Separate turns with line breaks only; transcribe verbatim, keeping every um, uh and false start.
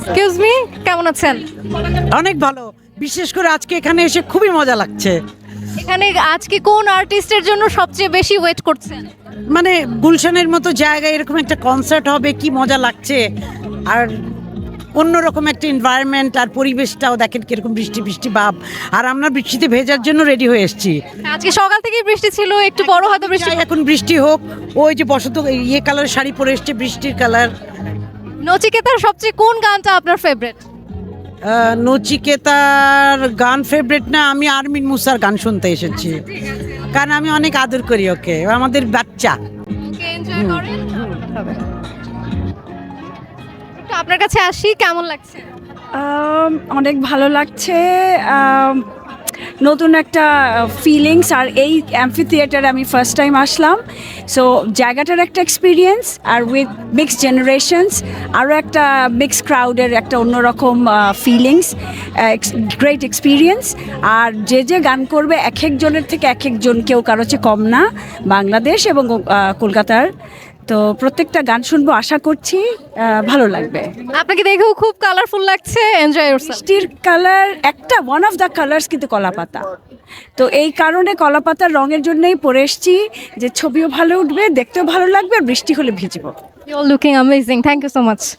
Excuse me, কেমন আছেন?
অনেক ভালো, বিশেষ করে আজকে এখানে এসে খুবই মজা লাগছে।
এখানে আজকে কোন আর্টিস্টের জন্য সবচেয়ে বেশি ওয়েট করছেন?
মানে গুলশানের মতো জায়গায় এরকম একটা কনসার্ট হবে, কি মজা লাগছে। আর অন্যরকম একটা এনভায়রনমেন্ট, আর পরিবেশটাও দেখেন কিরকম বৃষ্টি বৃষ্টি ভাব। আর আমরা বৃষ্টিতে ভেজার জন্য রেডি হয়ে এসেছি।
আজকে সকাল থেকেই বৃষ্টি ছিল, একটু বড় হয়তো বৃষ্টি।
চাই এখন বৃষ্টি হোক। ওই যে বসন্ত ইয়ে কালার শাড়ি পরে এসছে, বৃষ্টির কালার।
নচিকেতার সবচেয়ে কোন গানটা আপনার ফেভারিট?
নচিকেতার গান ফেভারিট না, আমি আরমিন মুসার গান শুনতে এসেছি, কারণ আমি অনেক আদর করি ওকে, ও আমাদের বাচ্চা।
ওকে, এনজয় করেন। একটু আপনার কাছে আসি, কেমন লাগছে?
আম, অনেক ভালো লাগছে। আম, নতুন একটা ফিলিংস, আর এই অ্যাম্ফি থিয়েটারে আমি ফার্স্ট টাইম আসলাম। সো জায়গাটার একটা এক্সপিরিয়েন্স, আর উইথ মিক্স জেনারেশনস আরও একটা মিক্স ক্রাউডের একটা অন্যরকম ফিলিংস, গ্রেট এক্সপিরিয়েন্স। আর যে যে গান করবে এক একজনের থেকে এক একজন, কেউ কারো চেয়ে কম না, বাংলাদেশ এবং আহ, কলকাতার। তো প্রত্যেকটা গান শুনবো, আশা করছি আহ, ভালো লাগবে।
আপনাকে দেখেও খুব কালারফুল লাগছে, এনজয় ইয়োরসেলফ।
বৃষ্টির কালার একটা ওয়ান অফ দ্য কালার্স কিন্তু কলাপাতা, তো এই কারণে কলাপাতার রঙের জন্যই পরে এসছি, যে ছবিও ভালো উঠবে, দেখতেও ভালো লাগবে, আর বৃষ্টি হলে ভিজবো।
You are looking amazing, thank you so much.